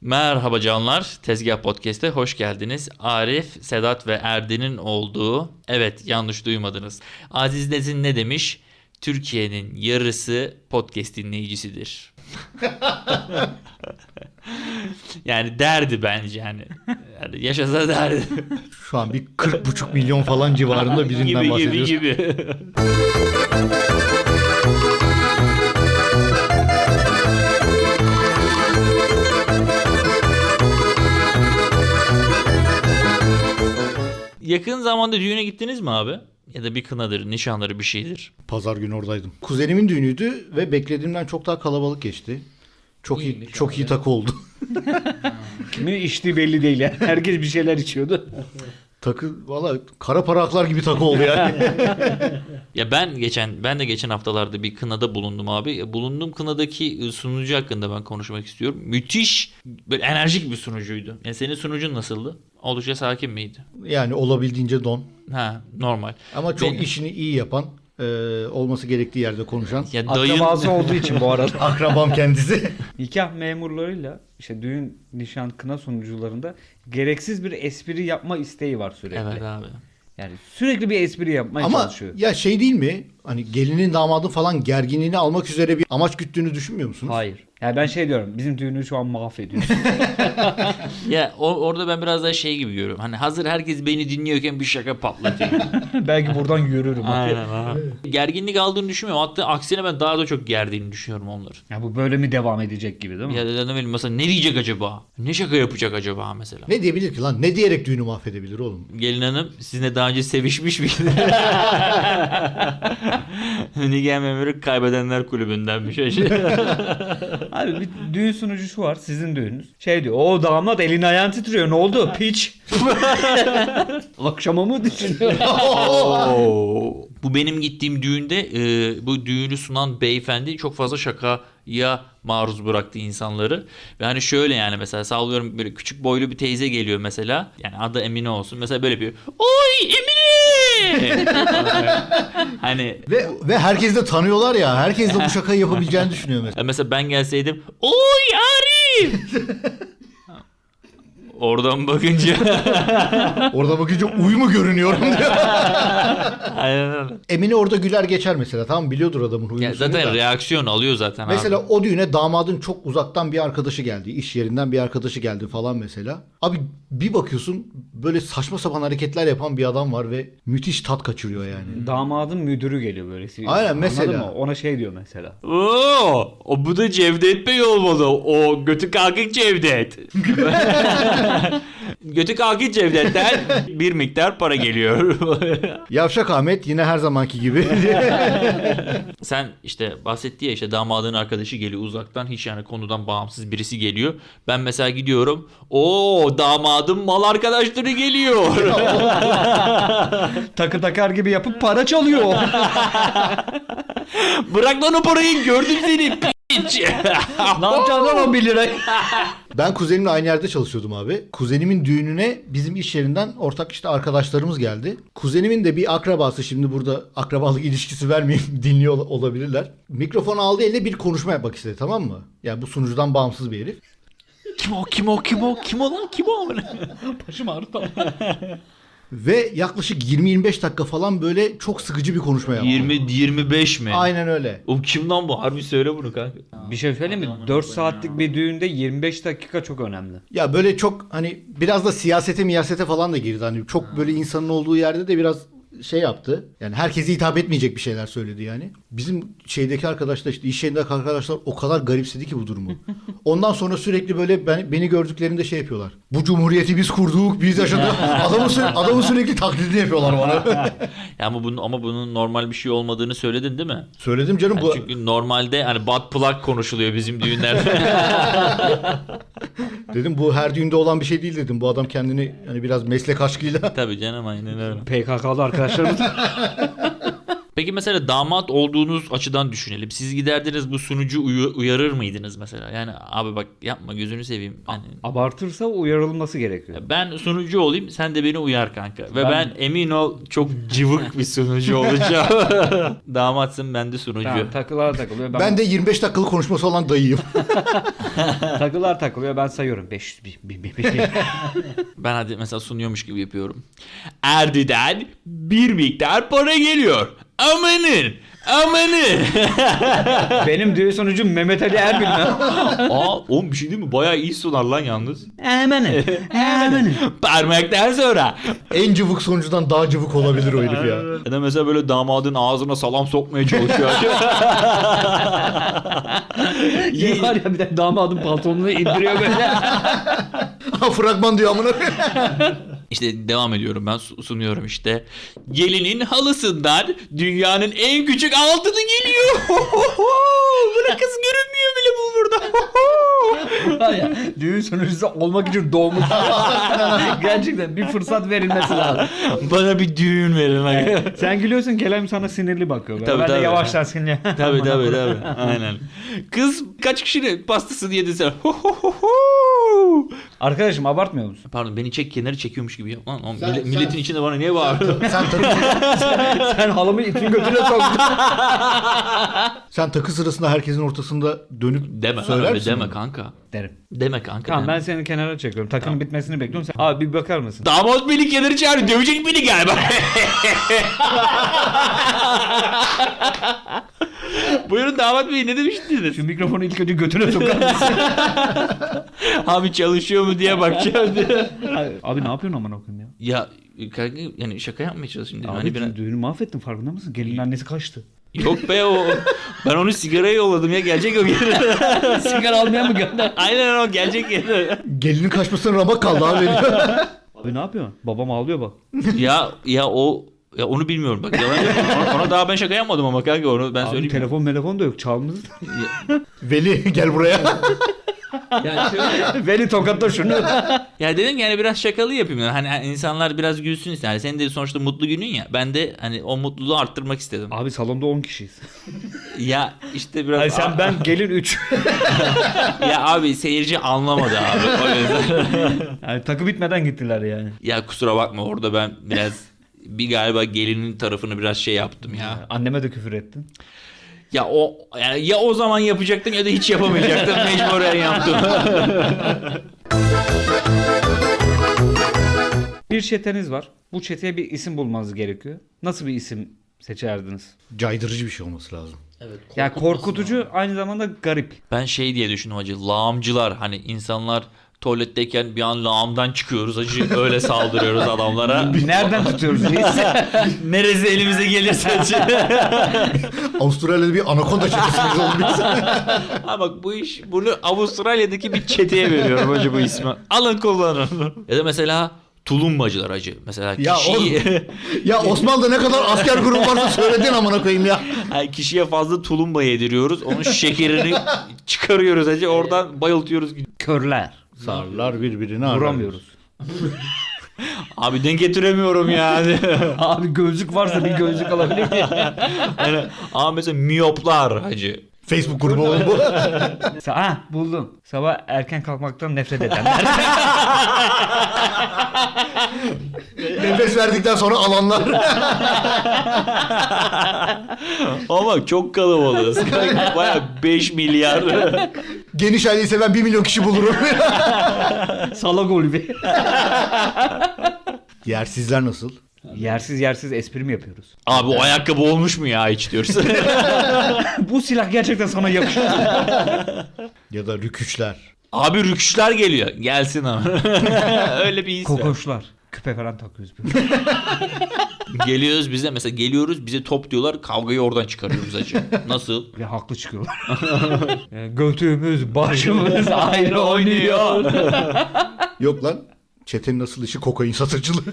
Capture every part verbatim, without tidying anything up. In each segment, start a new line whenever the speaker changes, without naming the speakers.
Merhaba canlar, Tezgah Podcast'e hoş geldiniz. Arif, Sedat ve Erdin'in olduğu, evet yanlış duymadınız. Aziz Nesin ne demiş? Türkiye'nin yarısı podcast dinleyicisidir. Yani derdi bence yani. Yani yaşasa derdi.
Şu an bir kırk buçuk milyon falan civarında birinden
gibi,
bahsediyoruz.
Gibi gibi. Yakın zamanda düğüne gittiniz mi abi? Ya da bir kınadır, nişanları bir şeydir.
Pazar günü oradaydım. Kuzenimin düğünüydü ve beklediğimden çok daha kalabalık geçti. Çok iyi,
İyiymiş
çok
abi.
iyi takı oldu.
Kimin içtiği belli değil ya. Herkes bir şeyler içiyordu.
Takı valla kara para aklar gibi takı oldu yani.
Ya ben geçen ben de geçen haftalarda bir kınada bulundum abi. Bulunduğum kınadaki sunucu hakkında ben konuşmak istiyorum. Müthiş, böyle enerjik bir sunucuydu. Yani senin sunucun nasıldı? Oldukça sakin miydi?
Yani olabildiğince don.
Ha, normal.
Ama çok
Benim-
işini iyi yapan, e, olması gerektiği yerde konuşan.
Ya dayın
Akrabası olduğu için bu arada.
Akrabam kendisi.
Nikah memurlarıyla işte düğün, nişan, kına sunucularında gereksiz bir espri yapma isteği var sürekli.
Evet abi.
Yani sürekli bir espri yapmaya
Ama
çalışıyor.
ya şey değil mi? Hani gelinin damadın falan gerginliğini almak üzere bir amaç güttüğünü düşünmüyor musunuz?
Hayır. Yani ben şey diyorum. Bizim düğünü şu an mahvediyorsun.
Ya o, orada ben biraz daha şey gibi görüyorum. Hani hazır herkes beni dinliyorken bir şaka patlatıyor.
Belki buradan yürürüm.
Aynen abi. Gerginlik aldığını düşünmüyorum. Hatta aksine ben daha da çok gerdiğini düşünüyorum onları.
Ya bu böyle mi devam edecek gibi değil mi?
Ya da ne bileyim mesela ne diyecek acaba? Ne şaka yapacak acaba mesela?
Ne diyebilir ki lan? Ne diyerek düğünü mahvedebilir oğlum?
Gelin hanım sizinle daha önce sevişmiş miydi? Nikah memuru kaybedenler kulübündenmiş.
Abi bir düğün sunucusu var. Sizin düğününüz. Şey diyor. O damat elin ayağın titriyor. Ne oldu? Piç. Akşama mı düşünüyor?
Oo. Bu benim gittiğim düğünde e, bu düğünü sunan beyefendi çok fazla şakaya maruz bıraktı insanları. Ve hani şöyle yani mesela sallıyorum böyle küçük boylu bir teyze geliyor mesela. Yani adı Emine olsun. Mesela böyle bir oy Emine! Hani
Ve ve herkes de tanıyorlar ya. Herkes de bu şakayı yapabileceğini düşünüyor mesela.
ya mesela ben gelseydim oy Arif! Oradan bakınca
Orada bakınca uy mu görünüyorum diyor.
aynen öyle.
Emine orada güler geçer mesela. Tamam biliyordur adamın huyunu.
Ya zaten
suyunu da.
reaksiyon alıyor zaten
Mesela
abi.
o düğüne damadın çok uzaktan bir arkadaşı geldi. İş yerinden bir arkadaşı geldi falan mesela. Abi bir bakıyorsun böyle saçma sapan hareketler yapan bir adam var ve müthiş tat kaçırıyor yani.
Damadın müdürü geliyor böyle.
Aynen,
Anladın
mesela.
mı? Ona şey diyor mesela.
Oo, o bu da Cevdet Bey olmalı. O götü kalkık Cevdet. Götü kalkık Cevdet'ten bir miktar para geliyor.
Yavşak Ahmet yine her zamanki gibi.
Sen işte bahsetti ya işte damadın arkadaşı geliyor uzaktan hiç yani konudan bağımsız birisi geliyor. Ben mesela gidiyorum. O damadın mal arkadaşları geliyor.
Takı takar gibi yapıp para çalıyor.
Bırak lan o parayı gördüm seni piç.
Ne yapacaksın lan on bir lirayı?
Ben kuzenimle aynı yerde çalışıyordum abi. Kuzenimin düğününe bizim iş yerinden ortak işte arkadaşlarımız geldi. Kuzenimin de bir akrabası, şimdi burada akrabalık ilişkisi vermeyeyim, dinliyor ol- olabilirler. Mikrofonu aldı eline, bir konuşma yapmak istedi, tamam mı? Yani bu sunucudan bağımsız bir herif.
Kim o kim o kim o kim o lan kim o?
Başım ağrıdı.
Ve yaklaşık yirmi yirmi beş dakika falan böyle çok sıkıcı bir konuşma yaptı.
yirmi yirmi beş mi?
Aynen öyle.
O kim lan bu? Harbi söyle bunu kanka.
Bir şey söyleyeyim mi? dört saatlik bir düğünde yirmi beş dakika çok önemli.
Ya böyle çok hani biraz da siyasete miyasete falan da girdi. Hani çok böyle insanın olduğu yerde de biraz şey yaptı. Yani herkese hitap etmeyecek bir şeyler söyledi yani. Bizim şeydeki arkadaşlar, işte iş yerindeki arkadaşlar o kadar garipsedi ki bu durumu. Ondan sonra sürekli böyle ben, beni gördüklerinde şey yapıyorlar. Bu cumhuriyeti biz kurduk, biz yaşadık. Adamın, sü- adamın sürekli taklidini yapıyorlar bana.
Ya ama bunun ama bunun normal bir şey olmadığını söyledin değil mi?
Söyledim canım
Yani
bu.
çünkü normalde hani butt plug konuşuluyor bizim düğünlerde.
Dedim bu her düğünde olan bir şey değil dedim. Bu adam kendini hani biraz meslek aşkıyla.
Tabii canım aynen öyle.
P K K'lı arkadaşlarımız.
Peki mesela damat olduğunuz açıdan düşünelim. Siz giderdiniz bu sunucu uyu- uyarır mıydınız mesela? Yani abi bak yapma gözünü seveyim. Hani
Abartırsa uyarılması gerekiyor.
ben sunucu olayım sen de beni uyar kanka. Ve
Ben-
ben, emin ol çok cıvık bir sunucu olacağım. Damatsın ben de sunucu.
Tamam, takılar takılıyor. Ben,
Ben de yirmi beş dakikalık konuşması olan dayıyım.
takılar takılıyor. Ben sayıyorum. beş yüz bin, bin, bin, bin.
Ben hadi mesela sunuyormuş gibi yapıyorum. Erdi'den bir miktar para geliyor. Amanın. Amanın.
Benim düğün sonucum Mehmet Ali Erbil mi?
Aa oğlum bir şey değil mi? Bayağı iyi sunar lan yalnız.
Hemen. Hemen.
Parmaktan sonra.
En cıvık sonucudan daha cıvık olabilir o herif ya.
Ya da mesela böyle damadın ağzına salam sokmaya çalışıyor.
Şey var ya bir de damadım pantolonunu indiriyor böyle.
Fragman diyor amına.
İşte devam ediyorum ben su- sunuyorum işte. Gelinin halısından dünyanın en küçük altını geliyor. Buna kız görünmüyor bile bu burada.
Var ya düğün sonucusu olmak için doğmuş. Gerçekten bir fırsat verilmesi lazım.
Bana bir düğün verin. Bak.
Sen gülüyorsun Kerem sana sinirli bakıyor. Böyle.
Tabii,
ben
tabii.
de yavaştan sinirli.
Tabii tabii tabii. Aynen. Kız kaç kişinin pastasını yedin sen?
Arkadaşım abartmıyor musun?
Pardon beni çek kenarı çekiyormuş gibi yap. Lan, oğlum,
Sen-
millet-
sen-
milletin içinde bana niye bağırıyorsun?
Sen takı,
Sen halımı itin götüne soktun.
sen takı sırasında herkesin ortasında dönüp
Deme
söyler
öyle
misin
deme
bunu?
kanka.
Derim.
Deme kanka.
Tamam
deme.
ben seni kenara çekiyorum. Takının bitmesini bekliyorum. Sen... Abi bir bakar mısın?
Damat beni kenarı çağırıyor. Dövecek beni galiba. Buyurun damat bey ne demiştiniz?
Şu mikrofonu ilk önce götüne sokar mısın?
Abi çalışıyor mu diye bakacağım diye.
Abi ne yapıyorsun aman okuyayım ya?
Ya kanka yani şaka yapmaya çalışayım dedim.
Abi
Hani biraz...
düğünü mahvettin farkında mısın? Gelin annesi kaçtı.
Yok be o. Ben onu sigaraya yolladım ya gelecek o geri.
Sigara almaya mı gönder?
Aynen o gelecek geri.
Gelinin kaçmasına ramak kaldı abi.
Abi ne yapıyorsun? Babam ağlıyor bak.
ya ya o ya onu bilmiyorum bak yalan yok. Ona, ona daha ben şaka yapmadım ama kanka onu ben
Abi
söyleyeyim.
telefon telefon da yok çalmız.
Veli gel buraya.
Ya şöyle.
Veli tokatla şunu.
Ya dedim ki yani biraz şakalı yapayım. Yani. Hani hani insanlar biraz gülsün ister. Yani senin de sonuçta mutlu günün ya. Ben de hani o mutluluğu arttırmak istedim.
Abi salonda on kişiyiz.
Ya işte biraz...
Ay sen ben gelin üç.
Ya abi seyirci anlamadı abi. O yüzden.
Yani takı bitmeden gittiler yani.
Ya kusura bakma orada ben biraz bir galiba gelinin tarafını biraz şey yaptım ya.
Anneme de küfür ettin.
Ya o yani ya o zaman yapacaktım ya da hiç yapamayacaktım. Mecburen yaptım.
Bir çeteniz var. Bu çeteye bir isim bulmanız gerekiyor. Nasıl bir isim seçerdiniz?
Caydırıcı bir şey olması lazım.
Ya korkutucu aynı zamanda garip.
Ben şey diye düşündüm hacı. Lağımcılar hani insanlar tuvaletteyken bir an lağımdan çıkıyoruz hacı. Öyle saldırıyoruz adamlara.
Nereden tutuyoruz biz?
Neresi elimize gelirse hacı.
Avustralya'da bir anakonda çetesimiz oldu biz.
Ha bak bu iş bunu Avustralya'daki bir çeteye veriyorum hacı bu ismi. Alın kullanın. Ya da mesela tulumbacılar hacı. Mesela
Ya
kişiyi,
Ya Osmanlı'da ne kadar asker grubu varsa söyledin amına koyayım ya.
yani kişiye fazla tulumba yediriyoruz. Onun şekerini çıkarıyoruz hacı. Oradan bayıltıyoruz.
Körler.
Sarlar birbirini arar.
Vuramıyoruz.
Abi denk getiremiyorum yani.
Abi gözlük varsa bir gözlük alabilir miyim?
Yani, ama mesela miyoplar hacı.
Facebook grubu oğlum bu.
Ha buldum. Sabah erken kalkmaktan nefret edenler.
Nefes verdikten sonra alanlar.
Ama bak çok kalabalığız. Baya beş milyar.
Geniş aileyi seven bir milyon kişi bulurum.
Salak golü.
Yersizler nasıl?
Yersiz yersiz espri mi yapıyoruz?
Abi o ayakkabı olmuş mu ya hiç diyoruz.
Bu silah gerçekten sana yakışır.
Ya da rüküçler.
Abi rüküşler geliyor. Gelsin ama. Öyle bir his var.
Kokoşlar. Küpe falan takıyoruz.
Geliyoruz bize mesela geliyoruz bize top diyorlar kavgayı oradan çıkarıyoruz hacı. Nasıl?
Ve haklı çıkıyorlar. Yani götümüz başımız ayrı oynuyor.
Yok lan. Çetenin asıl işi kokain satıcılığı.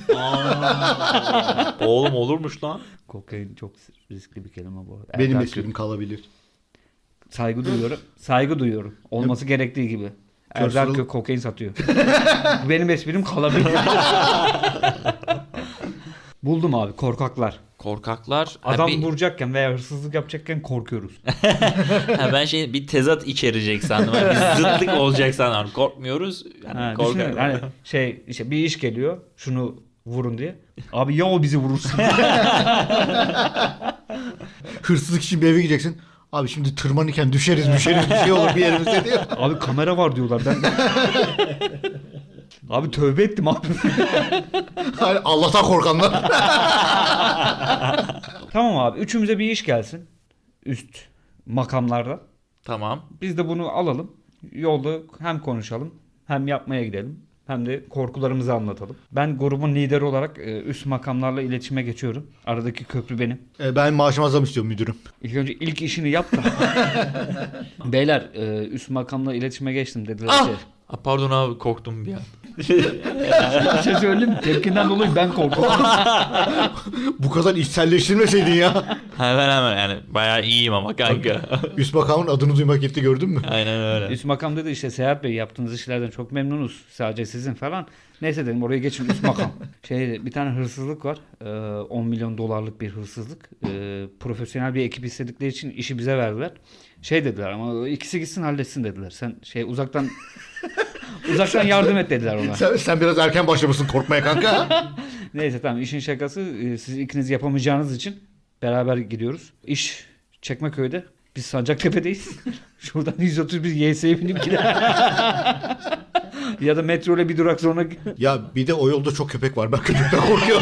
Oğlum olurmuş lan.
Kokain çok riskli bir kelime bu arada.
Benim
Erkan
esprim kalabilir.
Saygı duyuyorum. Saygı duyuyorum. Olması gerektiği gibi. Erdal
Körsal-
Kök kokain satıyor. Benim esprim kalabilir. Buldum abi korkaklar.
Korkaklar.
Adam
ha, bir-
vuracakken veya hırsızlık yapacakken korkuyoruz.
ha, ben şey bir tezat içerecek sandım. Yani bir zıtlık olacak sandım. Korkmuyoruz. Yani
Ha,
korkak.
düşünün, hani şey işte bir iş geliyor şunu vurun diye. Abi ya o bizi vurursun.
Hırsızlık için bir eve gideceksin. Abi şimdi tırmanırken düşeriz düşeriz bir şey olur bir yerimizde diyor.
Abi kamera var diyorlar. Ben Abi tövbe ettim abi.
Hani Allah'tan korkanlar.
Tamam abi üçümüze bir iş gelsin. Üst makamlarda.
Tamam.
Biz de bunu alalım. Yolda hem konuşalım hem yapmaya gidelim. Hem de korkularımızı anlatalım. Ben grubun lideri olarak e, üst makamlarla iletişime geçiyorum. Aradaki köprü benim.
E, ben maaşıma zam istiyorum müdürüm.
İlk önce ilk işini yap da. Beyler e, üst makamla iletişime geçtim dediler
Ah!
ki.
Ah, pardon abi korktum bir an.
Bir şey söyleyeyim mi? Tepkinden dolayı ben korktum.
Bu kadar içselleştirmeseydin ya.
Hemen hemen yani bayağı iyiyim ama kanka.
Üst makamın adını duymak yetti gördün mü?
Aynen öyle.
Üst makam dedi işte Seyahat Bey yaptığınız işlerden çok memnunuz. Sadece sizin falan. Neyse dedim oraya geçin üst makam. Şey bir tane hırsızlık var. Ee, on milyon dolarlık bir hırsızlık. Ee, profesyonel bir ekip istedikleri için işi bize verdiler. Şey dediler ama ikisi gitsin halletsin dediler. Sen şey uzaktan uzaktan yardım et dediler ona.
Sen, sen biraz erken başlamışsın korkmaya kanka.
Neyse tamam işin şakası e, siz ikiniz yapamayacağınız için beraber gidiyoruz. İş Çekmeköy'de. Biz Sancaktepe'deyiz. Şuradan yüz otuz bir Y S'ye binip gidelim. Ya da metro ile bir durak sonra
Ya bir de o yolda çok köpek var. Ben köpekten korkuyorum.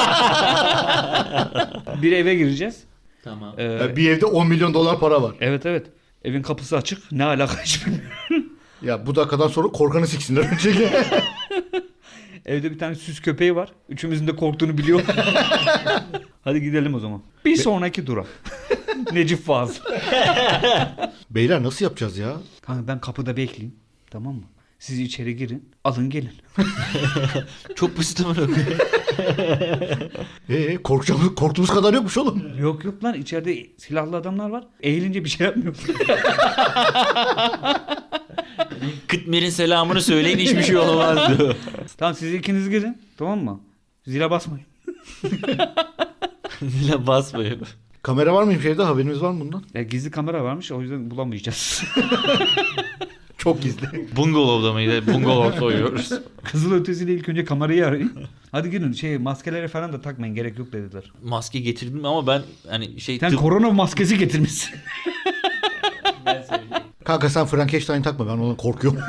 bir eve gireceğiz.
Tamam.
Ee,
Ya bir evde on milyon dolar para var.
evet evet. Evin kapısı açık. Ne alaka hiç bilmiyorum.
Ya bu dakikadan sonra korkanı siksinler öncelikle.
Evde bir tane süs köpeği var. Üçümüzün de korktuğunu biliyor. Hadi gidelim o zaman. Bir sonraki durak. Necip Fazıl.
Beyler nasıl yapacağız ya?
Kanka ben kapıda bekleyeyim. Tamam mı? Siz içeri girin. Alın gelin.
Çok basit ama.
Ee, korkacağımız, korktuğumuz kadar yokmuş oğlum.
Yok yok lan içeride silahlı adamlar var. Eğilince bir şey yapmıyor.
Kıtmir'in selamını söyleyin hiçbir şey olmaz diyor.
Tamam siz ikiniz girin. Tamam mı? Zile basmayın.
Dile basmayın.
Kamera var mıymış evde haberimiz var mı bundan?
Ya gizli kamera varmış o yüzden bulamayacağız.
Çok gizli.
Bungalov'da mıydı? Bungalov soyuyoruz.
Kızıl ötesiyle ilk önce kamerayı arayın. Hadi girin şey maskelere falan da takmayın gerek yok dediler.
Maske getirdim ama ben hani şey
Sen
tıp...
korona maskesi getirmişsin.
Kanka sen Frankenstein takma ben ondan korkuyorum.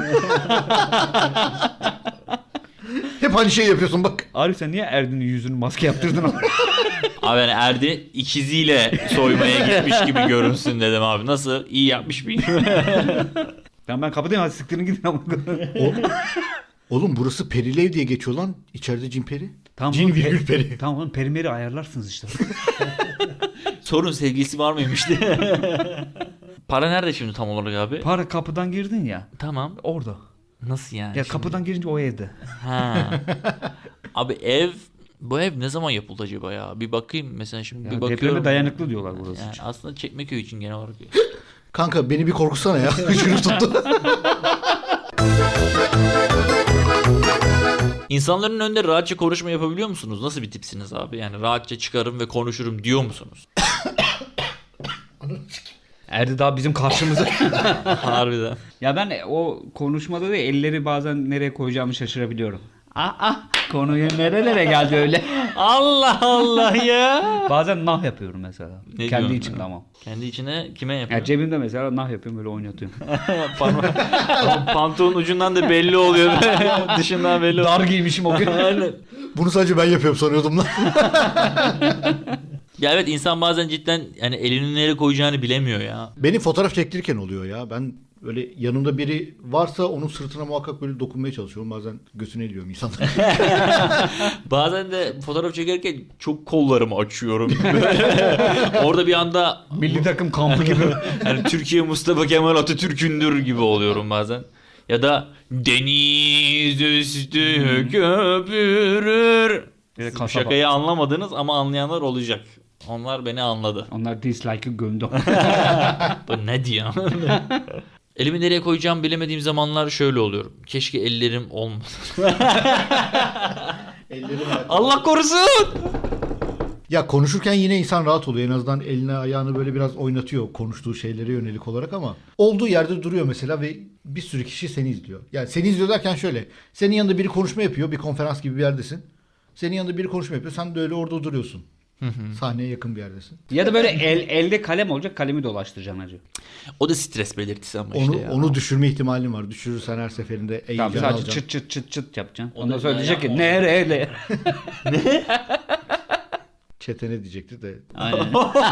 Hep aynı şey yapıyorsun bak.
Arif sen niye Erdin'in yüzünü maske yaptırdın?
Abi yani Erdi ikiziyle soymaya gitmiş gibi görünsün dedim abi. Nasıl? İyi yapmış mıyım?
Tamam ben kapıdayım hadi siktirin gidin ama.
O, oğlum burası Perilev diye geçiyor lan. İçeride cin peri.
Tamam,
Cin
oğlum,
virgül
pe-
peri.
Tamam oğlum perimeri ayarlarsınız işte.
Sorun sevgilisi var mıymış diye. Para nerede şimdi tam olarak abi?
Para kapıdan girdin ya.
Tamam.
Orada.
Nasıl yani?
Ya
şimdi?
kapıdan girince o evde.
Ha. Abi ev bu ev ne zaman yapıldı acaba ya? Bir bakayım mesela şimdi
Ya
bir
depreme
bakıyorum.
dayanıklı diyorlar burası
Yani
için.
aslında Çekmeköy için genel olarak.
Kanka beni bir korkusana ya. Hıçkırık tuttu.
İnsanların önünde rahatça konuşma yapabiliyor musunuz? Nasıl bir tipsiniz abi? Yani rahatça çıkarım ve konuşurum diyor musunuz?
Erdi daha bizim karşımıza.
Harbiden.
Ya ben o konuşmada da elleri bazen nereye koyacağımı şaşırabiliyorum. Ah ah konuya nerelere geldi öyle.
Allah Allah ya.
Bazen nah yapıyorum mesela.
Ne
Kendi
diyorsun
içimde
ya?
ama.
Kendi içine kime
Ya
yapıyor?
cebimde mesela nah yapıyorum böyle oynatıyorum.
Parmak- Pantolonun ucundan da belli oluyor. Dışından belli oluyor.
Dar giymişim o gün.
Aynen.
Bunu sadece ben yapıyorum sanıyordum lan.
Ya evet insan bazen cidden yani elini nereye koyacağını bilemiyor ya.
Benim fotoğraf çektirirken oluyor ya. Ben böyle yanımda biri varsa onun sırtına muhakkak böyle dokunmaya çalışıyorum. Bazen göğsüne eliyorum insanlar.
Bazen de fotoğraf çekerken çok kollarımı açıyorum. Orada bir anda
Milli takım kampı gibi.
yani Türkiye Mustafa Kemal Atatürk'ündür gibi oluyorum bazen. Ya da deniz üstü köpürür.
Bir de
Siz bu
kasaba.
şakayı anlamadınız ama anlayanlar olacak. Onlar beni anladı.
Onlar dislike'ı gömdü.
Bu ne diyor? Elimi nereye koyacağımı bilemediğim zamanlar şöyle oluyorum. Keşke ellerim olmasa. Allah korusun.
Ya konuşurken yine insan rahat oluyor. En azından elini ayağını böyle biraz oynatıyor konuştuğu şeylere yönelik olarak ama olduğu yerde duruyor mesela ve bir sürü kişi seni izliyor. Yani seni izliyor derken şöyle. Senin yanında biri konuşma yapıyor. Bir konferans gibi bir yerdesin. Senin yanında biri konuşma yapıyor. Sen de öyle orada duruyorsun. Sahneye yakın bir yerdesin.
Ya da böyle el, elde kalem olacak, kalemi dolaştıracaksın hacı.
O da stres belirtisi ama
Onu
işte ya.
onu düşürme ihtimalin var. Düşürürsen her seferinde
Tamam,
eğileceksin,
sadece
alacaksın.
çıt çıt çıt çıt yapacaksın.
O
Ondan
da
sonra
ya
diyecek ki
yapma.
nereye?
Çete ne diyecekti de.
Aynen.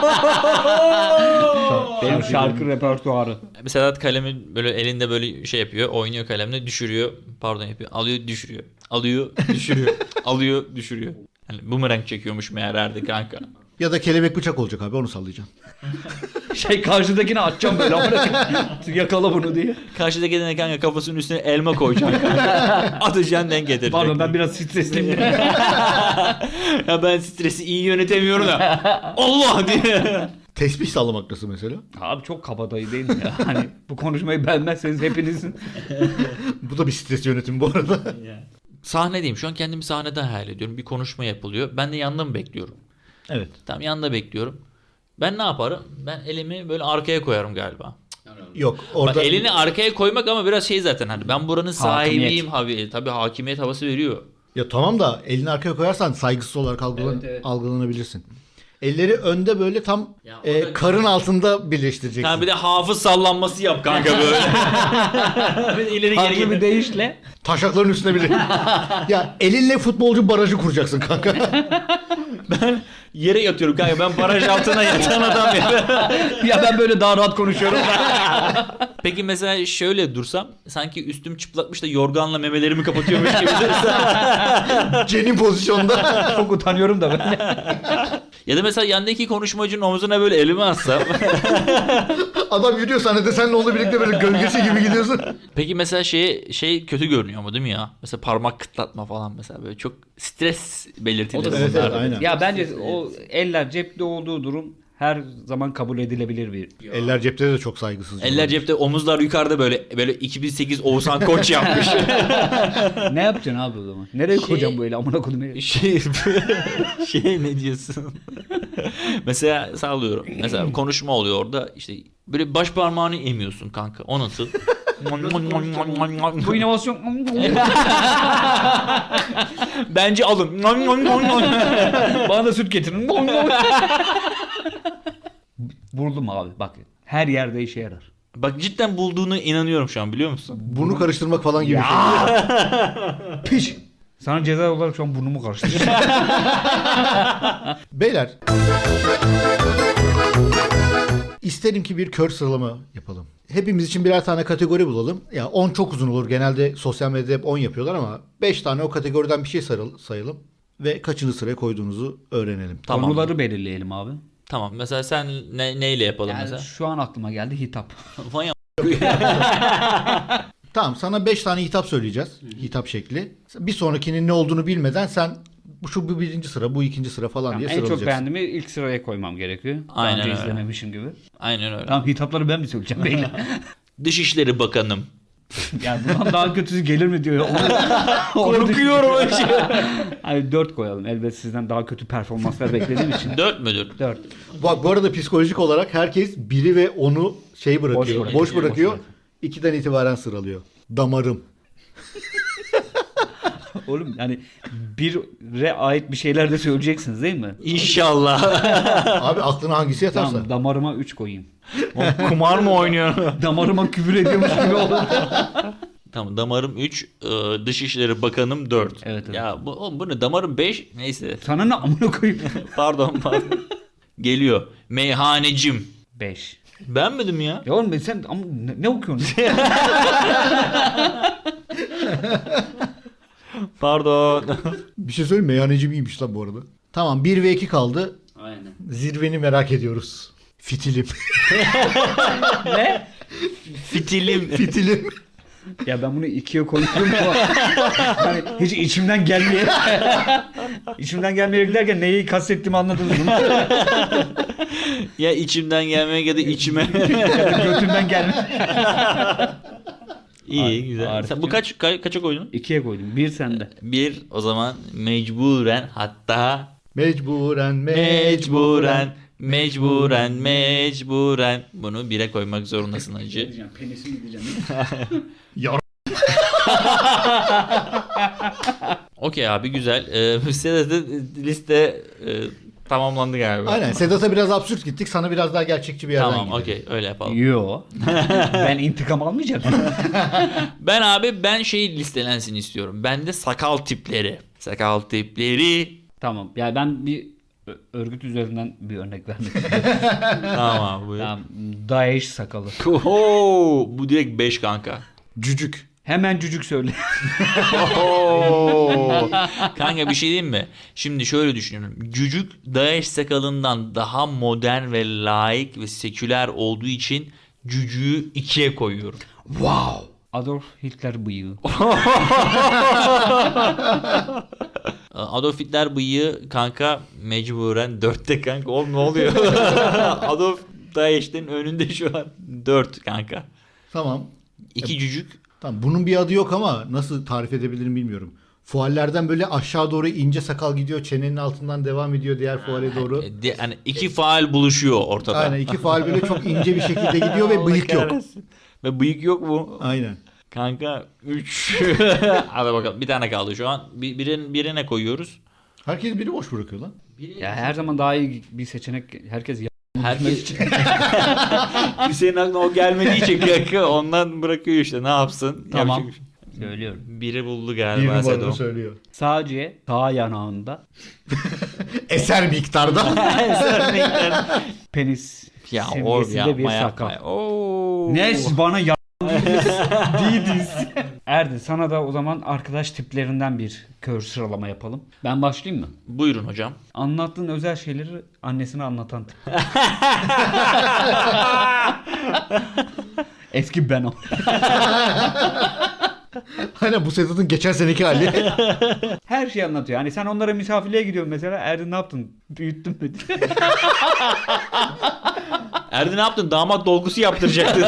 Benim şarkı repertuarı.
Mesela kalemi böyle elinde böyle şey yapıyor. Oynuyor kalemle, düşürüyor. Pardon yapıyor. Alıyor, düşürüyor. Alıyor, düşürüyor. Alıyor, düşürüyor. Yani bumerang çekiyormuş meğerlerdi kanka.
Ya da kelebek bıçak olacak abi, onu sallayacaksın.
Şey karşıdakini atacağım böyle. Yakala bunu diye.
Karşıdaki gelen kanka kafasının üstüne elma koyacaksın kanka. Atacaksın, denk getirecek.
Pardon, ben biraz stresliyim.
Ya ben stresi iyi yönetemiyorum da. Allah diye.
Tesbih sallamak nasıl mesela?
Abi çok kabadayı değil mi ya? Hani bu konuşmayı beğenmezseniz hepinizin.
Bu da bir stres yönetimi bu arada.
Sahnedeyim. Şu an kendimi sahnede hayal ediyorum. Bir konuşma yapılıyor. Ben de yanında mı bekliyorum?
Evet.
Tam yanında bekliyorum. Ben ne yaparım? Ben elimi böyle arkaya koyarım galiba.
Yok orada
Bak, elini arkaya koymak ama biraz şey zaten hani ben buranın sahibiyim
Hakimiyet.
abi. Tabii hakimiyet havası veriyor.
ya tamam da elini arkaya koyarsan saygısız olarak algılan-
Evet, evet.
algılanabilirsin. Elleri önde böyle tam
Ya o
e,
da-
karın altında birleştireceksin.
Ha bir de hafız sallanması yap kanka böyle. Bir de ileri geri
Farklı bir
geri.
deyişle.
Taşakların üstüne bile. Ya elinle futbolcu barajı kuracaksın kanka.
Ben yere yatıyorum kanka. Ben baraj altına yatan adam ya.
Ya ben böyle daha rahat konuşuyorum.
Peki mesela şöyle dursam sanki üstüm çıplakmış da yorganla memelerimi kapatıyormuş gibi dursam.
Cenin pozisyonda.
Çok utanıyorum da ben.
Ya da mesela yandaki konuşmacının omzuna böyle elimi atsam.
Adam yürüyor sahnede, senle onunla birlikte böyle gölgesi gibi gidiyorsun.
Peki mesela şey şey kötü görünüyor mu değil mi ya? Mesela parmak kıtlatma falan mesela böyle çok stres belirtileri.
O da
Evet,
bunlar.
evet, aynen.
Ya bence o eller cepte olduğu durum her zaman kabul edilebilir bir.
Eller cepte de çok saygısız.
Eller cepte, omuzlar yukarıda böyle böyle iki bin sekiz Oğuzhan Koç yapmış.
Ne yapacaksın abi o zaman? Nereye
Şey-
koyacaksın böyle amına koyayım?
şey şey ne diyorsun? Mesela sağlıyorum. Mesela konuşma oluyor orada işte böyle baş parmağını emiyorsun kanka. O nasıl?
Bu inovasyon.
Bence alın.
Bana da süt getirin. Buldum abi bak. Her yerde işe yarar.
Bak cidden bulduğuna inanıyorum şu an, biliyor musun?
Burnu karıştırmak falan gibi bir şey.
Piş. Sana ceza olarak şu an burnumu karıştırdım.
Beyler. İsterim ki bir kör sıralama yapalım. Hepimiz için birer tane kategori bulalım. Ya on çok uzun olur. Genelde sosyal medyada hep on yapıyorlar ama beş tane o kategoriden bir şey sarıl- sayalım. Ve kaçıncı sıraya koyduğunuzu öğrenelim.
Tamam.
Konuları belirleyelim abi.
Tamam. Mesela sen ne, neyle yapalım
Yani
mesela?
şu an aklıma geldi hitap.
Vay a-
Tamam, sana beş tane hitap söyleyeceğiz. Hitap şekli. Bir sonrakinin ne olduğunu bilmeden sen bu şu bu birinci sıra, bu ikinci sıra falan
Tamam,
diye
en çok
sıralayacaksın.
beğendiğimi ilk sıraya koymam gerekiyor. Daha
Aynen
önce
öyle.
izlememişim gibi.
Aynen öyle.
Tamam, hitapları ben mi söyleyeceğim beyler?
Dışişleri Bakanım.
Yani bundan daha kötüsü gelir mi diyor. Onu,
Korkuyorum o şey.
Hani dört koyalım. Elbette sizden daha kötü performanslar beklediğim için.
Dört müdür?
dört.
Bak bu arada psikolojik olarak herkes biri ve onu şey bırakıyor.
Boş
Boş
bırakıyor.
bırakıyor.
Boş bırakıyor.
İkiden itibaren sıralıyor. Damarım.
Oğlum yani bire ait bir şeyler de söyleyeceksiniz değil mi?
İnşallah.
Abi aklına hangisi yatarsa.
Tamam, damarıma üç koyayım.
Kumar mı oynuyor?
Damarıma küfür ediyormuş gibi oldu.
Tamam, damarım üç, Dışişleri Bakanım dört.
Evet, evet.
Ya bu, oğlum bu ne? Damarım beş. Neyse.
Sana ne amına koyayım?
Pardon pardon. Geliyor. Meyhanecim.
beş.
Beğenmedim ya.
Ya oğlum sen ama ne, ne okuyorsun?
Pardon.
Bir şey söyleyeyim mi? Meyhaneci miymiş lan bu arada? Tamam, bir ve iki kaldı.
Aynen.
Zirveni merak ediyoruz. Fitilim.
Ne?
Fitilim.
Fitilim.
Ya ben bunu ikiye koyuyorum ama hani hiç içimden gelmeye içimden gelmeye derken neyi kastettiğimi anladınız mı?
Ya içimden gelmek ya da içime.
Ya da götümden gelme.
İyi,
Ar-
güzel.
Arif'cim.
Sen bu kaç ka- kaça koydun?
İkiye koydum. Bir sende.
Bir, o zaman mecburen, hatta
Mecburen,
Mecburen, mecburen, mecburen. Bunu bire koymak zorundasın hacı.
Diyeceğim, penisim diyeceğim.
Ya
Okey abi, güzel. Ee, Sedat'ın liste e, tamamlandı galiba.
aynen. Sedat'a biraz absürt gittik. Sana biraz daha gerçekçi bir yerden
Tamam,
gidelim.
okey, öyle yapalım.
Yo. Ben intikam almayacağım.
Ben abi ben şey listelensin istiyorum. Ben de sakal tipleri. Sakal tipleri.
Tamam. Yani ben bir ö- örgüt üzerinden bir örnek vermek istiyorum.
Tamam abi, buyur.
Tamam. Daesh sakalı.
Oho, bu direkt beş kanka.
Cücük.
Hemen cücük söyle.
Oho. Kanka bir şey diyeyim mi? Şimdi şöyle düşünüyorum. Cücük Daesh sakalından daha modern ve laik ve seküler olduğu için cücüğü ikiye koyuyorum.
Wow. Adolf Hitler bıyığı.
Adolf Hitler bıyığı kanka mecburen dörtte kanka. Oğlum ne oluyor? Adolf Daesh'in önünde şu an dört kanka.
Tamam.
İki cücük.
Tamam. Bunun bir adı yok ama nasıl tarif edebilirim bilmiyorum. Fuallerden böyle aşağı doğru ince sakal gidiyor. Çenenin altından devam ediyor diğer fuale doğru.
E, de- hani iki faal buluşuyor ortada.
Aynen. iki faal böyle çok ince bir şekilde gidiyor ve bıyık yok.
Ve bıyık yok mu?
Aynen.
Kanka üç. Hadi bakalım, bir tane kaldı şu an. Bir, birin, birine koyuyoruz.
Herkes biri boş bırakıyor lan.
Ya her zaman daha iyi bir seçenek herkes ya-
Herkes Hüseyin aklına o gelmediği için kanka ondan bırakıyor işte, ne yapsın?
Tamam.
Yapacak bir şey.
söylüyorum.
Biri buldu
Bir
galiba
numaranı
Sedo.
söylüyor.
Sadece sağ yanağında
Eser miktarda.
penis
Ya or
seviyesinde bir
yapma
sakal.
yapma. Oo.
Ne bana ya değiliz. Erdin sana da o zaman arkadaş tiplerinden bir kör sıralama yapalım. Ben başlayayım mı?
Buyurun hocam.
Anlattığın özel şeyleri annesine anlatan tip. Eski ben o.
Aynen, bu Sedat'ın geçen seneki hali.
Her şeyi anlatıyor. Hani sen onlara misafirliğe gidiyorsun mesela. Erdin ne yaptın? Büyüttün mü?
Erdi ne yaptın? Damat dolgusu yaptıracaktı.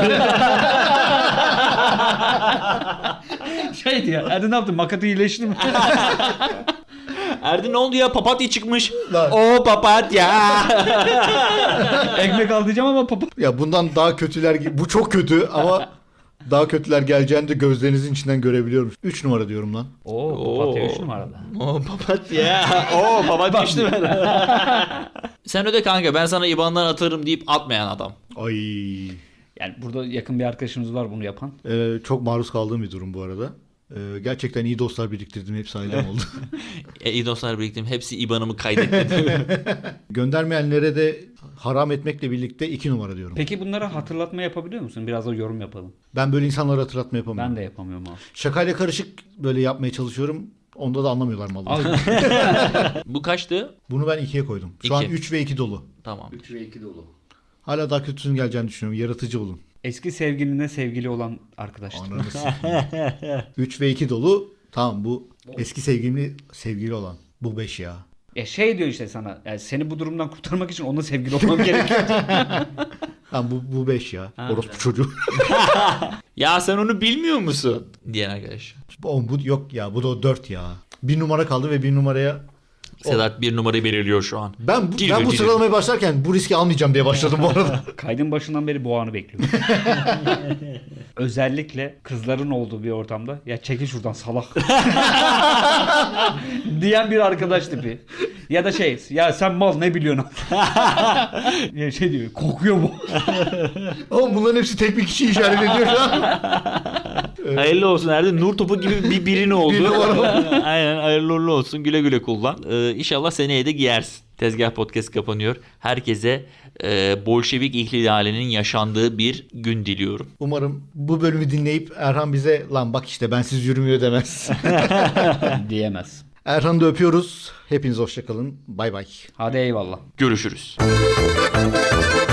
Şey diyor. Erdin ne yaptın? Makatı iyileşti mi?
Erdi ne oldu ya? Papatya çıkmış.
Lan.
O papatya.
Ekmek al diyeceğim ama papa.
Ya bundan daha kötüler, ge- bu çok kötü ama daha kötüler geleceğini de gözlerinizin içinden görebiliyorum. üç numara diyorum lan.
Oo, papatya üç numarada.
O papatya. O papatya işte ben. Sen öde kanka, ben sana IBAN'dan atarım deyip atmayan adam.
Ay.
Yani burada yakın bir arkadaşımız var bunu yapan.
Ee, çok maruz kaldığım bir durum bu arada. Ee, gerçekten iyi dostlar biriktirdim. Hepsi ailem oldu.
E, iyi dostlar biriktim. Hepsi IBAN'ımı kaydetti.
Göndermeyenlere de haram etmekle birlikte iki numara diyorum.
Peki bunlara hatırlatma yapabiliyor musun? Biraz da yorum yapalım.
Ben böyle insanlara hatırlatma yapamıyorum.
Ben de yapamıyorum abi.
Şakayla karışık böyle yapmaya çalışıyorum. Onda da anlamıyorlar malını.
Abi
Bu kaçtı?
Bunu ben ikiye koydum. Şu an
İki.
üç ve iki dolu.
Tamam.
üç ve iki dolu.
Hala daha kötüsünün geleceğini düşünüyorum. Yaratıcı olun.
Eski sevgiline sevgili olan arkadaşlar.
Ananı sikeyim. üç ve iki dolu. Tamam, bu eski sevgili sevgili olan. Bu beş ya.
Ya şey diyor işte sana. Yani seni bu durumdan kurtarmak için onunla sevgili olmam gerekiyor.
Tamam, bu bu beş ya.
Ha,
Orospu çocuğu.
Ya sen onu bilmiyor musun? Diyen arkadaş.
Oğlum bu yok ya. Bu da dört ya. Bir numara kaldı ve bir numaraya...
Sedat bir numarayı belirliyor şu an.
Ben bu,
Geliyor,
ben bu
geliyor.
sıralamaya başlarken bu riski almayacağım diye başladım bu arada.
Kaydın başından beri bu anı bekliyorum. Özellikle kızların olduğu bir ortamda ya çekil şuradan salak diyen bir arkadaş tipi. Ya da şey ya sen mal ne biliyorsun? Ya şey diyor kokuyor bu.
Oğlum bunların hepsi tek bir kişi işaret ediyor şu an.
Hayırlı olsun Erdi. Nur topu gibi bir birin oldu.
Bir numara.
Aynen, hayırlı uğurlu olsun. Güle güle kullan. Ee, inşallah seneye de giyersin. Tezgah Podcast kapanıyor. Herkese e, Bolşevik ihtilalinin yaşandığı bir gün diliyorum.
Umarım bu bölümü dinleyip Erhan bize lan bak işte bensiz yürümüyor demez.
Diyemez.
Erhan'ı da öpüyoruz. Hepiniz hoşça kalın. Bay bay.
Hadi eyvallah.
Görüşürüz.